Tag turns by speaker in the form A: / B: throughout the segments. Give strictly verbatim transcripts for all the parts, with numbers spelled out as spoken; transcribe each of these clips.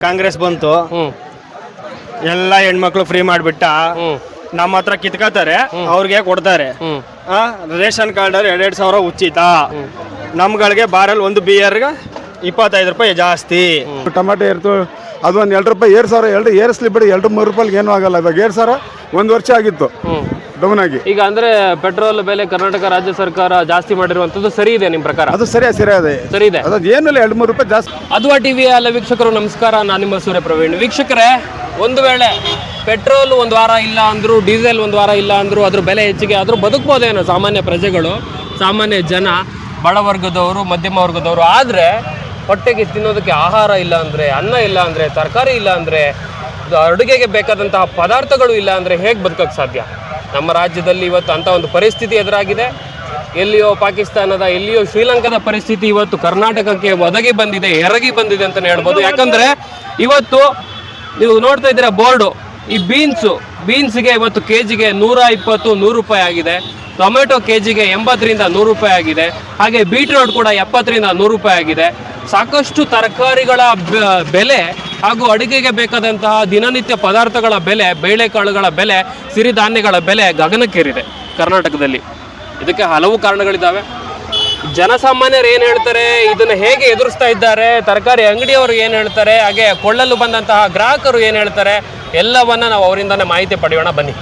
A: ಕಾಂಗ್ರೆಸ್ ಬಂತು, ಎಲ್ಲ ಹೆಣ್ಮಕ್ಳು ಫ್ರೀ ಮಾಡಿಬಿಟ್ಟ. ನಮ್ಮ ಹತ್ರ ಕಿತ್ಕೋತಾರೆ, ಅವ್ರಿಗೆ ಕೊಡ್ತಾರೆ. ರೇಷನ್ ಕಾರ್ಡ್ ಎರಡೆರಡು ಸಾವಿರ ಉಚಿತ. ನಮ್ಗಳಿಗೆ ಬಾರಲ್ಲಿ ಒಂದು ಬಿಯರ್ಗೆ ಇಪ್ಪತ್ತೈದು ರೂಪಾಯಿ ಜಾಸ್ತಿ.
B: ಟಮಾಟೆ ಏರ್ತು ಅದು ಒಂದು ಎರಡು ರೂಪಾಯಿ ಏರ್ ಸಾವಿರ ಎರಡು ಏರಿಸ್ಲಿ ಬಿಡಿ, ಎರಡು ಮೂರು ರೂಪಾಯಿಗೆ ಏನೂ ಆಗಲ್ಲ. ಇವಾಗ ಏರ್ ಸಾವಿರ ಒಂದು ವರ್ಷ ಆಗಿತ್ತು ಡೌನ್ ಆಗಿ.
C: ಈಗ ಅಂದ್ರೆ ಪೆಟ್ರೋಲ್ ಬೆಲೆ ಕರ್ನಾಟಕ ರಾಜ್ಯ ಸರ್ಕಾರ ಜಾಸ್ತಿ ಮಾಡಿರುವಂತದ್ದು ಸರಿ ಇದೆ ನಿಮ್ಮ ಪ್ರಕಾರ?
B: ಅದು ಸರಿಯಾ ಸರಿ ಅದೇ
C: ಸರಿ ಇದೆ.
B: ಅದು ಏನಿಲ್ಲ, ಎರಡು ಮೂರು ರೂಪಾಯಿ ಜಾಸ್ತಿ.
C: ಅದ್ವಾ ಟಿವಿ ಅಲ್ಲ ವೀಕ್ಷಕರು ನಮಸ್ಕಾರ, ನಾನು ನಿಮ್ಮ ಸೂರ್ಯ ಪ್ರವೀಣ್. ವೀಕ್ಷಕರೇ, ಒಂದು ವೇಳೆ ಪೆಟ್ರೋಲ್ ಒಂದು ವಾರ ಇಲ್ಲ ಅಂದ್ರು, ಡೀಸೆಲ್ ಒಂದು ವಾರ ಇಲ್ಲ ಅಂದ್ರು, ಅದ್ರ ಬೆಲೆ ಹೆಚ್ಚಿಗೆ ಆದ್ರೂ ಬದುಕ್ಬೋದೇನೋ ಸಾಮಾನ್ಯ ಪ್ರಜೆಗಳು, ಸಾಮಾನ್ಯ ಜನ, ಬಡವರ್ಗದವರು, ಮಧ್ಯಮ ವರ್ಗದವರು. ಆದರೆ ಹೊಟ್ಟೆಗೆ ತಿನ್ನೋದಕ್ಕೆ ಆಹಾರ ಇಲ್ಲ ಅಂದರೆ, ಅನ್ನ ಇಲ್ಲ ಅಂದರೆ, ತರಕಾರಿ ಇಲ್ಲ ಅಂದರೆ, ಅಡುಗೆಗೆ ಬೇಕಾದಂತಹ ಪದಾರ್ಥಗಳು ಇಲ್ಲ ಅಂದರೆ ಹೇಗೆ ಬದುಕೋಕ್ಕೆ ಸಾಧ್ಯ? ನಮ್ಮ ರಾಜ್ಯದಲ್ಲಿ ಇವತ್ತು ಅಂಥ ಒಂದು ಪರಿಸ್ಥಿತಿ ಎದುರಾಗಿದೆ. ಎಲ್ಲಿಯೋ ಪಾಕಿಸ್ತಾನದ, ಎಲ್ಲಿಯೋ ಶ್ರೀಲಂಕಾದ ಪರಿಸ್ಥಿತಿ ಇವತ್ತು ಕರ್ನಾಟಕಕ್ಕೆ ಒದಗಿ ಬಂದಿದೆ, ಎರಗಿ ಬಂದಿದೆ ಅಂತಲೇ ಹೇಳ್ಬೋದು. ಯಾಕಂದರೆ ಇವತ್ತು ನೀವು ನೋಡ್ತಾ ಇದ್ದೀರಾ ಬೋರ್ಡು, ಈ ಬೀನ್ಸು ಬೀನ್ಸ್ಗೆ ಇವತ್ತು ಕೆ ಜಿಗೆ ನೂರ ಇಪ್ಪತ್ತು ನೂರು ರೂಪಾಯಿ ಆಗಿದೆ. ಟೊಮೆಟೊ ಕೆ ಜಿಗೆ ಎಂಬತ್ತರಿಂದ ನೂರು ರೂಪಾಯಿ ಆಗಿದೆ. ಹಾಗೆ ಬೀಟ್ರೋಟ್ ಕೂಡ ಎಪ್ಪತ್ತರಿಂದ ನೂರು ರೂಪಾಯಿ ಆಗಿದೆ. ಸಾಕಷ್ಟು ತರಕಾರಿಗಳ ಬೆಲೆ ಹಾಗೂ ಅಡುಗೆಗೆ ಬೇಕಾದಂತಹ ದಿನನಿತ್ಯ ಪದಾರ್ಥಗಳ ಬೆಲೆ, ಬೇಳೆಕಾಳುಗಳ ಬೆಲೆ, ಸಿರಿಧಾನ್ಯಗಳ ಬೆಲೆ ಗಗನಕ್ಕೇರಿದೆ ಕರ್ನಾಟಕದಲ್ಲಿ. ಇದಕ್ಕೆ ಹಲವು ಕಾರಣಗಳಿದ್ದಾವೆ. ಜನಸಾಮಾನ್ಯರು ಏನು ಹೇಳ್ತಾರೆ, ಇದನ್ನು ಹೇಗೆ ಎದುರಿಸ್ತಾ ಇದ್ದಾರೆ, ತರಕಾರಿ ಅಂಗಡಿಯವರು ಏನು ಹೇಳ್ತಾರೆ, ಹಾಗೆ ಕೊಳ್ಳಲು ಬಂದಂತಹ ಗ್ರಾಹಕರು ಏನು ಹೇಳ್ತಾರೆ, ಎಲ್ಲವನ್ನ ನಾವು ಅವರಿಂದನೇ ಮಾಹಿತಿ ಪಡೆಯೋಣ ಬನ್ನಿ.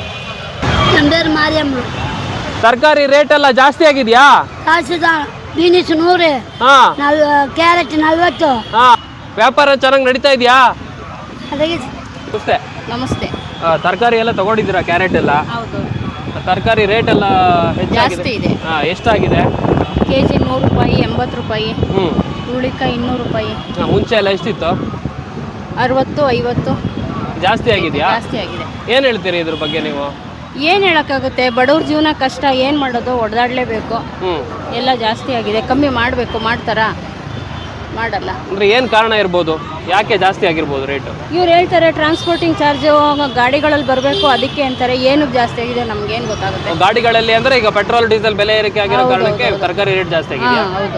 C: ತರಕಾರಿ ರೇಟ್ ಎಲ್ಲ ಜಾಸ್ತಿ ಆಗಿದೆಯಾ?
D: ಬೀನಿಸ್ ನೂರು, ಕ್ಯಾರೆಟ್ ನಲ್ವತ್ತು.
C: ಹಾ, ವ್ಯಾಪಾರ ಚೆನ್ನಾಗಿ ನಡೀತಾ ಇದೆಯಾ?
D: ನಮಸ್ತೆ. ನಮಸ್ತೆ.
C: ತರಕಾರಿ ಎಲ್ಲ ತಗೊಂಡಿದ್ದೀರಾ? ಕ್ಯಾರೆಟ್ ಎಲ್ಲ?
D: ಹೌದು.
C: ತರಕಾರಿ ರೇಟ್ ಎಲ್ಲ
D: ಜಾಸ್ತಿ ಇದೆ.
C: ಹಾ, ಎಷ್ಟಾಗಿದೆ?
D: ಕೆ ಜಿ ನೂರು ರೂಪಾಯಿ, ಎಂಬತ್ತು ರೂಪಾಯಿ. ಹ್ಞೂ. ಹುರುಳಿಕಾಯಿ ಇನ್ನೂರು ರೂಪಾಯಿ.
C: ಮುಂಚೆ ಎಲ್ಲ ಎಷ್ಟಿತ್ತು?
D: ಅರವತ್ತು, ಐವತ್ತು.
C: ಜಾಸ್ತಿ ಆಗಿದೆಯಾ?
D: ಜಾಸ್ತಿ ಆಗಿದೆ.
C: ಏನು ಹೇಳ್ತೀರಿ ಇದ್ರ ಬಗ್ಗೆ ನೀವು?
D: ಏನು ಹೇಳೋಕ್ಕಾಗುತ್ತೆ, ಬಡವ್ರ ಜೀವನ ಕಷ್ಟ, ಏನು ಮಾಡೋದು, ಹೊಡೆದಾಡಲೇಬೇಕು. ಎಲ್ಲ ಜಾಸ್ತಿ ಆಗಿದೆ, ಕಮ್ಮಿ ಮಾಡಬೇಕು. ಮಾಡ್ತಾರಾ? ಮಾಡಲ್ಲ. ಅಂದರೆ ಏನು ಕಾರಣ ಇರ್ಬೋದು, ಯಾಕೆ ಜಾಸ್ತಿ ಆಗಿರ್ಬೋದು ರೇಟು? ಇವ್ರು ಹೇಳ್ತಾರೆ ಟ್ರಾನ್ಸ್ಪೋರ್ಟಿಂಗ್ ಚಾರ್ಜು ಗಾಡಿಗಳಲ್ಲಿ ಬರಬೇಕು, ಅದಕ್ಕೆ ಅಂತಾರೆ. ಏನಕ್ಕೆ ಜಾಸ್ತಿ ಆಗಿದೆ ನಮ್ಗೇನು ಗೊತ್ತಾಗುತ್ತೆ?
C: ಗಾಡಿಗಳಲ್ಲಿ ಅಂದರೆ ಈಗ ಪೆಟ್ರೋಲ್ ಡೀಸೆಲ್ ಬೆಲೆ ಏರಿಕೆ ಆಗಿರೋ ಕಾರಣಕ್ಕೆ ತರಕಾರಿ ರೇಟ್ ಜಾಸ್ತಿ ಆಗಿದೆ.
D: ಹೌದು.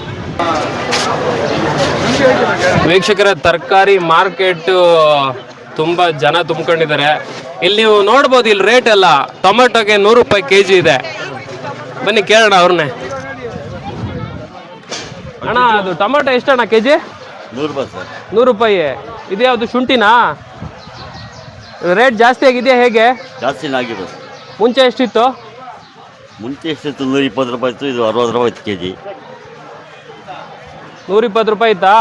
C: ವೀಕ್ಷಕರ, ತರಕಾರಿ ಮಾರ್ಕೆಟ್ ತುಂಬ ಜನ ತುಂಬ್ಕೊಂಡಿದ್ದಾರೆ. ಇಲ್ಲಿ ನೀವು ನೋಡ್ಬೋದು, ಇಲ್ಲಿ ರೇಟ್ ಎಲ್ಲ ಟೊಮೆಟೊಗೆ ನೂರು ರೂಪಾಯಿ ಕೆ ಜಿ ಇದೆ. ಬನ್ನಿ ಕೇಳೋಣ ಅವ್ರನ್ನೇ. ಅಣ್ಣ, ಅದು ಟೊಮೆಟೊ ಎಷ್ಟಣ್ಣ ಕೆ ಜಿ?
E: ನೂರು ರೂಪಾಯಿ ಸರ್.
C: ನೂರು ರೂಪಾಯಿ. ಇದು ಯಾವುದು ಶುಂಠಿನಾ? ರೇಟ್ ಜಾಸ್ತಿ ಆಗಿದೆಯಾ ಹೇಗೆ?
E: ಜಾಸ್ತಿನೇ ಆಗಿದೆ.
C: ಮುಂಚೆ ಎಷ್ಟಿತ್ತು?
E: ಮುಂಚೆ ಎಷ್ಟಿತ್ತು? ನೂರ ಇಪ್ಪತ್ತು ರೂಪಾಯಿ ಇತ್ತು, ಇದು ಅರವತ್ತು ರೂಪಾಯಿ ಇತ್ತು ಕೆ ಜಿ.
C: ನೂರ ಇಪ್ಪತ್ತು ರೂಪಾಯಿ ಇತ್ತಾ?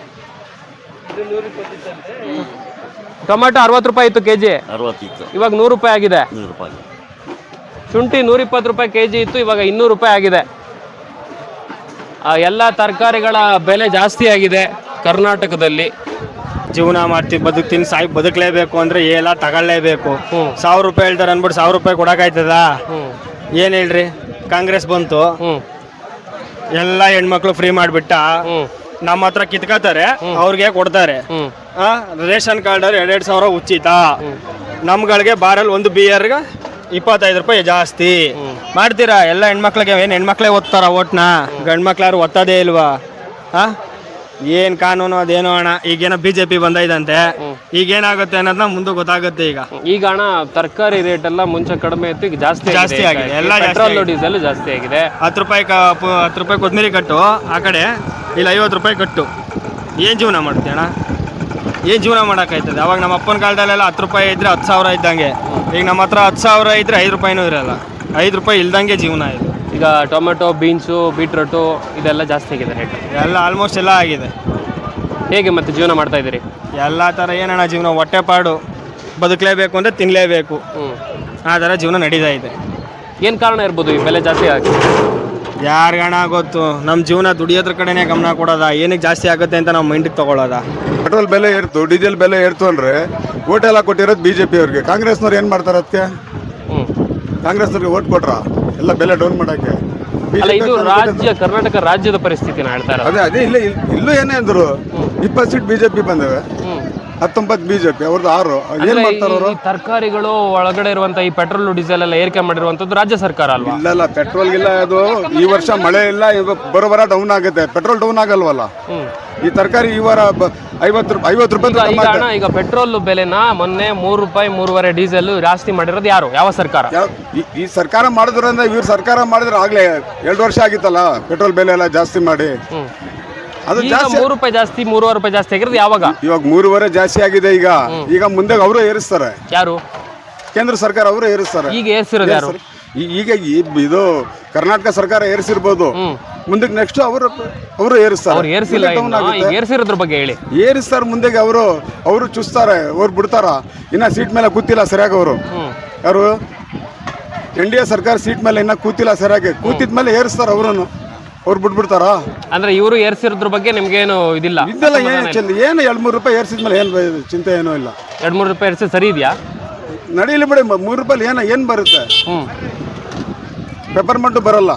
C: ಟೊಮೆಟೊ ಅರವತ್ತು ರೂಪಾಯಿ ಇತ್ತು ಕೆ ಜಿ.
E: ಅರವತ್ತಿತ್ತು,
C: ಇವಾಗ ನೂರು ರೂಪಾಯಿ ಆಗಿದೆ.
E: ನೂರು ರೂಪಾಯಿ.
C: ಶುಂಠಿ ನೂರ ಇಪ್ಪತ್ತು ರೂಪಾಯಿ ಕೆ ಜಿ ಇತ್ತು, ಇವಾಗ ಇನ್ನೂರು ರೂಪಾಯಿ ಆಗಿದೆ. ಎಲ್ಲ ತರಕಾರಿಗಳ ಬೆಲೆ ಜಾಸ್ತಿ ಆಗಿದೆ ಕರ್ನಾಟಕದಲ್ಲಿ.
A: ಜೀವನ ಮಾಡ್ತೀವಿ, ಬದುಕ್ತೀನಿ, ಸಾಯಿ ಬದುಕಲೇಬೇಕು ಅಂದರೆ ಎಲ್ಲ ತಗೊಳ್ಳೇಬೇಕು. ಸಾವಿರ ರೂಪಾಯಿ ಹೇಳ್ತಾರೆ ಅಂದ್ಬಿಟ್ಟು ಸಾವಿರ ರೂಪಾಯಿ ಕೊಡೋಕ್ಕಾಯ್ತದ? ಏನು ಹೇಳ್ರಿ, ಕಾಂಗ್ರೆಸ್ ಬಂತು, ಎಲ್ಲ ಹೆಣ್ಮಕ್ಳು ಫ್ರೀ ಮಾಡಿಬಿಟ್ಟ. ನಮ್ಮ ಹತ್ರ ಕಿತ್ಕೋತಾರೆ, ಅವ್ರಿಗೆ ಕೊಡ್ತಾರೆ. ರೇಷನ್ ಕಾರ್ಡ್ ಎರಡೆರಡು ಸಾವಿರ ಉಚಿತ. ನಮ್ಗಳಿಗೆ ಬಾರಲ್ಲಿ ಒಂದು ಬಿಯರ್ಗೆ ಇಪ್ಪತ್ತೈದು ರೂಪಾಯಿ ಜಾಸ್ತಿ. ಮಾಡ್ತೀರಾ? ಎಲ್ಲ ಹೆಣ್ಮಕ್ಳಿಗೆ ಏನು ಹೆಣ್ಮಕ್ಳೇ ಓದ್ತಾರ ಓಟ್ನ? ಗಂಡು ಮಕ್ಳು ಯಾರು ಓದ್ತದೇ ಇಲ್ವಾ? ಹಾಂ, ಏನು ಕಾನೂನು ಅದೇನೋ ಅಣ್ಣ. ಈಗೇನೋ ಬಿ ಜೆ ಪಿ ಬಂದೈದಂತೆ, ಈಗೇನಾಗುತ್ತೆ ಅನ್ನೋದನ್ನ ಮುಂದೆ ಗೊತ್ತಾಗುತ್ತೆ. ಈಗ
C: ಈಗ ಅಣ್ಣ ತರಕಾರಿ ರೇಟ್ ಎಲ್ಲ ಮುಂಚೆ ಕಡಿಮೆ ಇತ್ತು, ಈಗ ಜಾಸ್ತಿ
A: ಜಾಸ್ತಿ ಆಗಿದೆ. ಎಲ್ಲ
C: ಪೆಟ್ರೋಲ್ ಡೀಸೆಲ್ ಜಾಸ್ತಿ ಆಗಿದೆ.
A: ಹತ್ತು ರೂಪಾಯಿ ಹತ್ತು ರೂಪಾಯಿ ಕೊತ್ತಂಬರಿ ಕಟ್ಟು ಆ ಕಡೆ, ಇಲ್ಲ ಐವತ್ತು ರೂಪಾಯಿ ಕಟ್ಟು. ಏನು ಜೀವನ ಮಾಡ್ತೀಯ ಅಣ್ಣ? ಏನು ಜೀವನ ಮಾಡೋಕ್ಕಾಯ್ತದೆ? ಅವಾಗ ನಮ್ಮ ಅಪ್ಪನ ಕಾಲದಲ್ಲೆಲ್ಲ ಹತ್ತು ರೂಪಾಯಿ ಇದ್ದರೆ ಹತ್ತು ಸಾವಿರ ಇದ್ದಂಗೆ. ಈಗ ನಮ್ಮ ಹತ್ರ ಹತ್ತು ಸಾವಿರ ಇದ್ದರೆ ಐದು ರೂಪಾಯಿನೂ ಇರೋಲ್ಲ. ಐದು ರೂಪಾಯಿ ಇಲ್ದಂಗೆ ಜೀವನ ಇದು.
C: ಈಗ ಟೊಮೆಟೊ, ಬೀನ್ಸು, ಬೀಟ್ರೋಟು ಇದೆಲ್ಲ ಜಾಸ್ತಿ ಆಗಿದೆ ರೇಟ್.
A: ಎಲ್ಲ ಆಲ್ಮೋಸ್ಟ್ ಎಲ್ಲ ಆಗಿದೆ.
C: ಹೇಗೆ ಮತ್ತೆ ಜೀವನ ಮಾಡ್ತಾ ಇದ್ದೀರಿ?
A: ಎಲ್ಲ ಥರ ಏನಣ್ಣ ಜೀವನ, ಹೊಟ್ಟೆಪಾಡು, ಬದುಕಲೇಬೇಕು ಅಂದರೆ ತಿನ್ನಲೇಬೇಕು, ಆ ಥರ ಜೀವನ ನಡೀತಾ ಇದೆ.
C: ಏನು ಕಾರಣ ಇರ್ಬೋದು ಈ ಬೆಲೆ ಜಾಸ್ತಿ ಆಗಿ?
A: ಯಾರಿಗಣ ಗೊತ್ತು. ನಮ್ಮ ಜೀವನ ದುಡಿಯೋದ್ರ ಕಡೆನೇ ಗಮನ ಕೊಡೋದ, ಏನಕ್ಕೆ ಜಾಸ್ತಿ ಆಗುತ್ತೆ ಅಂತ ನಾವು ಮೈಂಡಿಗೆ ತೊಗೊಳ್ಳೋದ.
B: ಪೆಟ್ರೋಲ್ ಬೆಲೆ ಏರ್ತು, ಡೀಸೆಲ್ ಬೆಲೆ ಏರ್ತು ಅಂದರೆ ಓಟ್ ಎಲ್ಲ ಕೊಟ್ಟಿರೋದು ಬಿ ಜೆ ಪಿ ಅವ್ರಿಗೆ. ಕಾಂಗ್ರೆಸ್ನವ್ರು ಏನು ಮಾಡ್ತಾರೆ ಅದಕ್ಕೆ? ಕಾಂಗ್ರೆಸ್ನವ್ರಿಗೆ ಓಟ್ ಕೊಟ್ರ ಎಲ್ಲ ಬೆಲೆ ಡೌನ್ ಮಾಡೋಕ್ಕೆ.
C: ಇದು ರಾಜ್ಯ, ಕರ್ನಾಟಕ ರಾಜ್ಯದ ಪರಿಸ್ಥಿತಿನ ಹೇಳ್ತಾರೆ.
B: ಅದೇ ಅದೇ ಇಲ್ಲ ಇಲ್ಲೂ ಏನೇ ಅಂದರು, ಇಪ್ಪತ್ತು ಸೀಟ್ ಬಿಜೆಪಿ ಬಂದವೆ, ಹತ್ತೊಂಬತ್ತು ಬಿಜೆಪಿ, ಅವ್ರದ್ದು ಆರು. ಏನ್ ಮಾಡ್ತಾರ ಅವರು?
C: ತರಕಾರಿಗಳು ಒಳಗಡೆ ಇರುವಂತ ಈ ಪೆಟ್ರೋಲ್ ಡೀಸೆಲ್ ಎಲ್ಲ ಏರಿಕೆ ಮಾಡಿರುವಂತದ್ದು ರಾಜ್ಯ ಸರ್ಕಾರ ಅಲ್ವಾ?
B: ಇಲ್ಲ ಇಲ್ಲ ಪೆಟ್ರೋಲ್ ಇಲ್ಲ. ಅದು ಈ ವರ್ಷ ಮಳೆ ಇಲ್ಲ, ಬರೋಬರ ಡೌನ್ ಆಗುತ್ತೆ. ಪೆಟ್ರೋಲ್ ಡೌನ್ ಆಗಲ್ವಲ್ಲ. ಈ ತರಕಾರಿ ಈ ವಾರ ಐವತ್ತು ರೂಪಾಯಿ ಐವತ್ತು ರೂಪಾಯಿ
C: ಈಗ ಅಣ್ಣ, ಈಗ ಪೆಟ್ರೋಲ್ ಬೆಲೆನ ಮೊನ್ನೆ ಮೂರು ರೂಪಾಯಿ ಮೂರುವರೆ ಡೀಸೆಲ್ ಜಾಸ್ತಿ ಮಾಡಿರೋದು ಯಾರು? ಯಾವ ಸರ್ಕಾರ?
B: ಈ ಸರ್ಕಾರ ಮಾಡಿದ್ರಿಂದ ಇವ್ರ ಸರ್ಕಾರ ಮಾಡಿದ್ರೆ ಆಗ್ಲೇ ಎರಡು ವರ್ಷ ಆಗಿತ್ತಲ್ಲ ಪೆಟ್ರೋಲ್ ಬೆಲೆ ಎಲ್ಲ ಜಾಸ್ತಿ ಮಾಡಿ. ಅದು ಜಾಸ್ತಿ
C: ಮೂರು ರೂಪಾಯಿ ಜಾಸ್ತಿ ಮೂರುವರೆ ರೂಪಾಯಿ ಜಾಸ್ತಿ ಆಗಿರೋದು ಯಾವಾಗ?
B: ಇವಾಗ ಮೂರುವರೆ ಜಾಸ್ತಿ ಆಗಿದೆ. ಈಗ ಈಗ ಮುಂದೆ ಅವರು ಏರಿಸ್ತಾರೆ.
C: ಯಾರು?
B: ಕೇಂದ್ರ ಸರ್ಕಾರ ಅವರು ಏರಿಸ್ತಾರೆ.
C: ಈಗ ಏರ್ಸಿರೋದು ಯಾರು?
B: ಈಗ ಇದು ಕರ್ನಾಟಕ ಸರ್ಕಾರ ಏರಿಸಿರ್ಬೋದು, ಮುಂದಕ್ಕೆ ನೆಕ್ಸ್ಟ್ ಅವರು ಅವರು ಏರಿಸ್ತಾರೆ.
C: ಅವ್ರು ಏರಿಸಿಲ್ಲ, ಈಗ ಏರಿಸಿರೋದ್ರ ಬಗ್ಗೆ ಹೇಳಿ.
B: ಏರಿಸ್ತಾರೆ ಮುಂದೆಗೆ ಅವರು ಅವರು ಚುಸ್ತಾರೆ, ಅವ್ರು ಬಿಡ್ತಾರ. ಇನ್ನ ಸೀಟ್ ಮೇಲೆ ಕೂತಿಲ್ಲ ಸರಿಯಾಗಿ ಅವರು. ಯಾರು? ಎನ್ ಡಿ ಎ ಸರ್ಕಾರ ಸೀಟ್ ಮೇಲೆ ಇನ್ನ ಕೂತಿಲ್ಲ ಸರಿಯಾಗಿ. ಕೂತಿದ ಮೇಲೆ ಏರಿಸ್ತಾರ ಅವ್ರನ್ನು. ಅವ್ರು ಬಿಟ್ಬಿಡ್ತಾರ.
C: ಅಂದ್ರೆ ಇವರು ಏರ್ಸಿರೋದ್ರ ಬಗ್ಗೆ ನಿಮ್ಗೇನು ಇದಿಲ್ಲ?
B: ಇದೆಲ್ಲ ಏನು ಚಂದ ಏನು ಎರಡು ಮೂರು ರೂಪಾಯಿ ಏರ್ಸಿದ್ಮೇಲೆ ಏನು ಚಿಂತೆ ಏನೂ ಇಲ್ಲ.
C: ಎರಡು ಮೂರು ರೂಪಾಯಿ ಏರ್ಸಿ ಸರಿ ಇದೆಯಾ?
B: ನಡೀಲಿ ಬಿಡಿ. ಮೂರು ರೂಪಾಯಿ ಏನು ಏನು ಬರುತ್ತೆ? ಪೆಪರ್ಮೆಂಟು ಬರಲ್ಲ.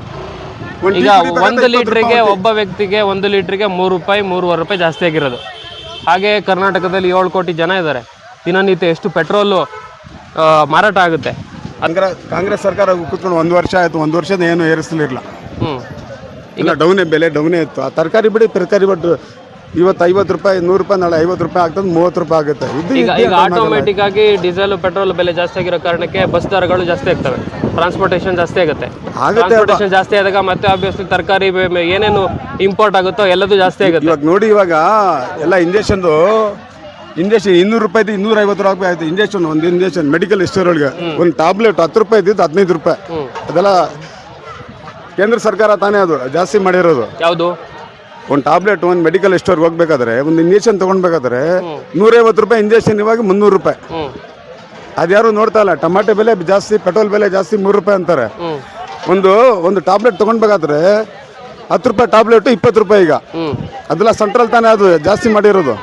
C: ಈಗ ಒಂದು ಲೀಟ್ರಿಗೆ ಒಬ್ಬ ವ್ಯಕ್ತಿಗೆ ಒಂದು ಲೀಟ್ರಿಗೆ ಮೂರು ರೂಪಾಯಿ ಮೂರುವರೆ ರೂಪಾಯಿ ಜಾಸ್ತಿ ಆಗಿರೋದು. ಹಾಗೆ ಕರ್ನಾಟಕದಲ್ಲಿ ಏಳು ಕೋಟಿ ಜನ ಇದ್ದಾರೆ. ದಿನನಿತ್ಯ ಎಷ್ಟು ಪೆಟ್ರೋಲು ಮಾರಾಟ ಆಗುತ್ತೆ?
B: ಅಂದ್ರೆ ಕಾಂಗ್ರೆಸ್ ಸರ್ಕಾರ ಕೂತ್ಕೊಂಡು ಒಂದು ವರ್ಷ ಆಯಿತು, ಒಂದು ವರ್ಷದ ಏನು ಏರಿಸಲಿಲ್ಲ.
C: ಹ್ಞೂ
B: ಇಲ್ಲ ಡೌನೇ, ಬೆಲೆ ಡೌನೇ ಇತ್ತು. ಆ ತರಕಾರಿ ಬಿಡಿ, ತರಕಾರಿ ಬಟ್ ಇವತ್ತು ಐವತ್ತು ರೂಪಾಯಿ ನೂರು ರೂಪಾಯಿ ನಾಳೆ ಐವತ್ತು ರೂಪಾಯಿ ಆಗ್ತದೆ, ಮೂವತ್ತು ರೂಪಾಯಿ ಆಗುತ್ತೆ. ಇದು
C: ಈಗ ಈಗ ಆಟೋಮೆಟಿಕ್ ಆಗಿ ಡೀಸೆಲ್ ಪೆಟ್ರೋಲ್ ಬೆಲೆ ಜಾಸ್ತಿ ಆಗಿರೋ ಕಾರಣಕ್ಕೆ ಬಸ್ ದರಗಳು ಜಾಸ್ತಿ ಆಗ್ತವೆ, ಟ್ರಾನ್ಸ್ಪೋರ್ಟೇಷನ್ ಜಾಸ್ತಿ ಆಗುತ್ತೆ. ಟ್ರಾನ್ಸ್ಪೋರ್ಟೇಷನ್ ಜಾಸ್ತಿ ಆದಾಗ ಮತ್ತೆ ಆಬ್ವಿಯಸ್ಲಿ ತರಕಾರಿ ಏನೇನು ಇಂಪೋರ್ಟ್ ಆಗುತ್ತೋ ಎಲ್ಲದೂ ಜಾಸ್ತಿ ಆಗುತ್ತೆ.
B: ಇವಾಗ ನೋಡಿ, ಇವಾಗ ಎಲ್ಲ ಇಂಜೆಕ್ಷನ್ದು ಇಂಜೆಕ್ಷನ್ ಇನ್ನೂರು ರೂಪಾಯಿ ಇನ್ನೂರ ಐವತ್ತು ರೂಪಾಯಿ ಆಯ್ತು. ಇಂಜೆಕ್ಷನ್ ಒಂದು ಇಂಜೆಕ್ಷನ್ ಮೆಡಿಕಲ್ ಸ್ಟೋರ್ ಒಳಗೆ ಒಂದು ಟ್ಯಾಬ್ಲೆಟ್ ಹತ್ತು ರೂಪಾಯಿ ಇದ್ದಿದ್ದು ಹದಿನೈದು ರೂಪಾಯಿ. ಅದೆಲ್ಲ ಕೇಂದ್ರ ಸರ್ಕಾರ ತಾನೇ ಅದು ಜಾಸ್ತಿ ಮಾಡಿರೋದು.
C: ಯಾವುದು?
B: ಒಂದು ಟ್ಯಾಬ್ಲೆಟ್ ಒಂದು ಮೆಡಿಕಲ್ ಸ್ಟೋರ್ಗೆ ಹೋಗ್ಬೇಕಾದ್ರೆ ಒಂದು ಇಂಜೆಕ್ಷನ್ ತೊಗೊಳ್ಬೇಕಾದ್ರೆ ನೂರೈವತ್ತು ರೂಪಾಯಿ ಇಂಜೆಕ್ಷನ್, ಇವಾಗ ಮುನ್ನೂರು ರೂಪಾಯಿ. ಅದ್ಯಾರು ನೋಡ್ತಾ ಇಲ್ಲ. ಟಮಾಟೆ ಬೆಲೆ ಜಾಸ್ತಿ, ಪೆಟ್ರೋಲ್ ಬೆಲೆ ಜಾಸ್ತಿ, ಮೂರು ರೂಪಾಯಿ ಅಂತಾರೆ. ಒಂದು ಒಂದು ಟ್ಯಾಬ್ಲೆಟ್ ತೊಗೊಳ್ಬೇಕಾದ್ರೆ ಹತ್ತು ರೂಪಾಯಿ ಟ್ಯಾಬ್ಲೆಟ್ ಇಪ್ಪತ್ತು ರೂಪಾಯಿ ಈಗ. ಅದೆಲ್ಲ ಸೆಂಟ್ರಲ್ ತಾನೇ ಅದು ಜಾಸ್ತಿ ಮಾಡಿರೋದು.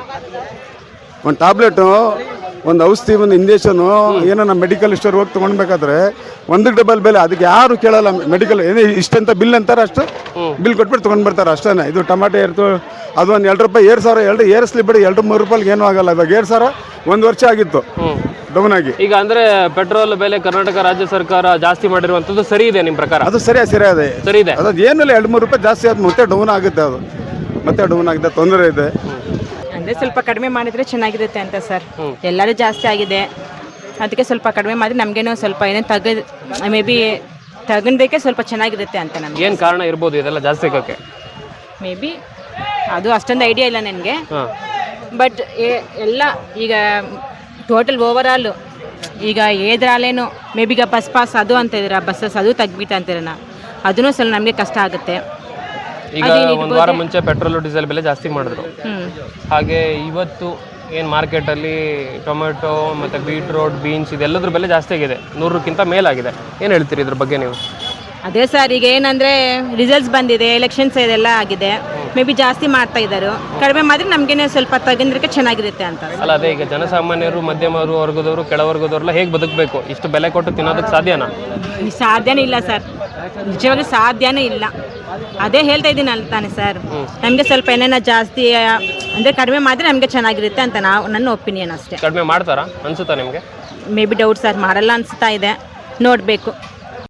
B: ಒಂದು ಟ್ಯಾಬ್ಲೆಟು, ಒಂದು ಔಷಧಿ, ಒಂದು ಇಂಜೆಕ್ಷನು ಏನೋ ನಮ್ಮ ಮೆಡಿಕಲ್ ಸ್ಟೋರ್ ಹೋಗಿ ತೊಗೊಳ್ಬೇಕಾದ್ರೆ ಒಂದಕ್ಕೆ ಡಬಲ್ ಬೆಲೆ. ಅದಕ್ಕೆ ಯಾರು ಕೇಳಲ್ಲ. ಮೆಡಿಕಲ್ ಏನೇ ಇಷ್ಟಂತ ಬಿಲ್ ಅಂತಾರೆ, ಅಷ್ಟು ಬಿಲ್ ಕೊಟ್ಬಿಟ್ಟು ತೊಗೊಂಡು ಬರ್ತಾರೆ ಅಷ್ಟೇ. ಇದು ಟಮಾಟೆ ಏರ್ತು, ಅದು ಒಂದು ಎರಡು ರೂಪಾಯಿ ಏರ್ ಸಾವಿರ ಎರಡು ಏರಿಸ್ಲಿ ಬಿಡಿ, ಎರಡು ಮೂರು ರೂಪಾಯಿಗೆ ಏನೂ ಆಗಲ್ಲ. ಇವಾಗ ಏರ್ ಸಾವಿರ ಒಂದು ವರ್ಷ ಆಗಿತ್ತು ಡೌನ್ ಆಗಿ.
C: ಈಗ ಅಂದ್ರೆ ಪೆಟ್ರೋಲ್ ಬೆಲೆ ಕರ್ನಾಟಕ ರಾಜ್ಯ ಸರ್ಕಾರ ಜಾಸ್ತಿ ಮಾಡಿರುವಂಥದ್ದು ಸರಿ ಇದೆ ನಿಮ್ಮ ಪ್ರಕಾರ?
B: ಅದು ಸರಿಯಾ ಸರಿ ಅದೇ
C: ಸರಿ ಇದೆ.
B: ಅದು ಏನಿಲ್ಲ, ಎರಡು ಮೂರು ರೂಪಾಯಿ ಜಾಸ್ತಿ ಆದ ಮತ್ತೆ ಡೌನ್ ಆಗುತ್ತೆ. ಅದು ಮತ್ತೆ ಡೌನ್ ಆಗುತ್ತೆ, ತೊಂದರೆ ಇದೆ.
F: ಅಂದರೆ ಸ್ವಲ್ಪ ಕಡಿಮೆ ಮಾಡಿದರೆ ಚೆನ್ನಾಗಿರುತ್ತೆ ಅಂತ ಸರ್. ಎಲ್ಲರೂ ಜಾಸ್ತಿ ಆಗಿದೆ, ಅದಕ್ಕೆ ಸ್ವಲ್ಪ ಕಡಿಮೆ ಮಾಡಿದ್ರೆ ನಮಗೇನೋ ಸ್ವಲ್ಪ ಏನೋ ತಗ ಮೇ ಬಿ ತಗೊಂಡಕ್ಕೆ ಸ್ವಲ್ಪ ಚೆನ್ನಾಗಿರುತ್ತೆ ಅಂತ ನಮಗೆ.
C: ಏನು ಕಾರಣ ಇರ್ಬೋದು ಇದೆಲ್ಲ ಜಾಸ್ತಿ ಆಗೋಕ್ಕೆ?
F: ಮೇ ಬಿ ಅದು ಅಷ್ಟೊಂದು ಐಡಿಯಾ ಇಲ್ಲ ನನಗೆ. ಬಟ್ ಎಲ್ಲ ಈಗ ಟೋಟಲ್ ಓವರ್ ಆಲ್ ಈಗ ಏದ್ರಾಲೇನು ಮೇ ಬಿ ಈಗ ಬಸ್ ಪಾಸ್ ಅದು ಅಂತ ಇದ್ದೀರಾ, ಬಸ್ಸಸ್ ಅದು ತೆಗ್ಬಿಟ್ಟು ಅಂತೀರಣ್ಣ, ಅದೂ ಸ್ವಲ್ಪ ನಮಗೆ ಕಷ್ಟ ಆಗುತ್ತೆ.
C: ಈಗ ಒಂದು ವಾರ ಮುಂಚೆ ಪೆಟ್ರೋಲ್ ಡೀಸೆಲ್ ಬೆಲೆ ಜಾಸ್ತಿ ಮಾಡಿದ್ರು. ಹಾಗೆ ಇವತ್ತು ಏನು ಮಾರ್ಕೆಟಲ್ಲಿ ಟೊಮೆಟೊ ಮತ್ತು ಬೀಟ್ರೋಟ್, ಬೀನ್ಸ್ ಇದೆಲ್ಲದ್ರ ಬೆಲೆ ಜಾಸ್ತಿ ಆಗಿದೆ, ನೂರಕ್ಕಿಂತ ಮೇಲಾಗಿದೆ. ಏನು ಹೇಳ್ತೀರಿ ಇದ್ರ ಬಗ್ಗೆ ನೀವು?
F: ಅದೇ ಸರ್, ಈಗ ಏನಂದರೆ ರಿಸಲ್ಟ್ಸ್ ಬಂದಿದೆ, ಎಲೆಕ್ಷನ್ಸ್ ಇದೆಲ್ಲ ಆಗಿದೆ, ಮೇ ಬಿ ಜಾಸ್ತಿ ಮಾಡ್ತಾ ಇದ್ದಾರೆ. ಕಡಿಮೆ ಮಾಡಿದ್ರೆ ನಮಗೇನೆ ಸ್ವಲ್ಪ ತಗೊಂಡ್ರೆ ಚೆನ್ನಾಗಿರುತ್ತೆ ಅಂತ.
C: ಅಲ್ಲ ಅದೇ ಈಗ ಜನಸಾಮಾನ್ಯರು, ಮಧ್ಯಮ ವರ್ಗದವರು, ಕೆಳವರ್ಗದವ್ರೆಲ್ಲ ಹೇಗೆ ಬದುಕಬೇಕು? ಇಷ್ಟು ಬೆಲೆ ಕೊಟ್ಟು ತಿನ್ನೋದಕ್ಕೆ ಸಾಧ್ಯನಾ?
F: ಸಾಧ್ಯನೇ ಇಲ್ಲ ಸರ್, ನಿಜವಾಗ್ಲೂ ಸಾಧ್ಯನೇ ಇಲ್ಲ. ಅದೇ ಹೇಳ್ತಾ ಇದ್ದೀನಿ ಅಲ್ಲ ತಾನೆ ಸರ್, ನಮಗೆ ಸ್ವಲ್ಪ ಏನೇನ ಜಾಸ್ತಿ ಅಂದರೆ ಕಡಿಮೆ ಮಾಡಿದ್ರೆ ನಮಗೆ ಚೆನ್ನಾಗಿರುತ್ತೆ ಅಂತ ನಾವು ನನ್ನ ಒಪಿನಿಯನ್ ಅಷ್ಟೇ.
C: ಕಡಿಮೆ ಮಾಡ್ತಾರಾ ಅನ್ಸುತ್ತಾ ನಿಮಗೆ?
F: ಮೇ ಬಿ ಡೌಟ್ ಸರ್, ಮಾಡಲ್ಲ ಅನಿಸ್ತಾ ಇದೆ, ನೋಡಬೇಕು.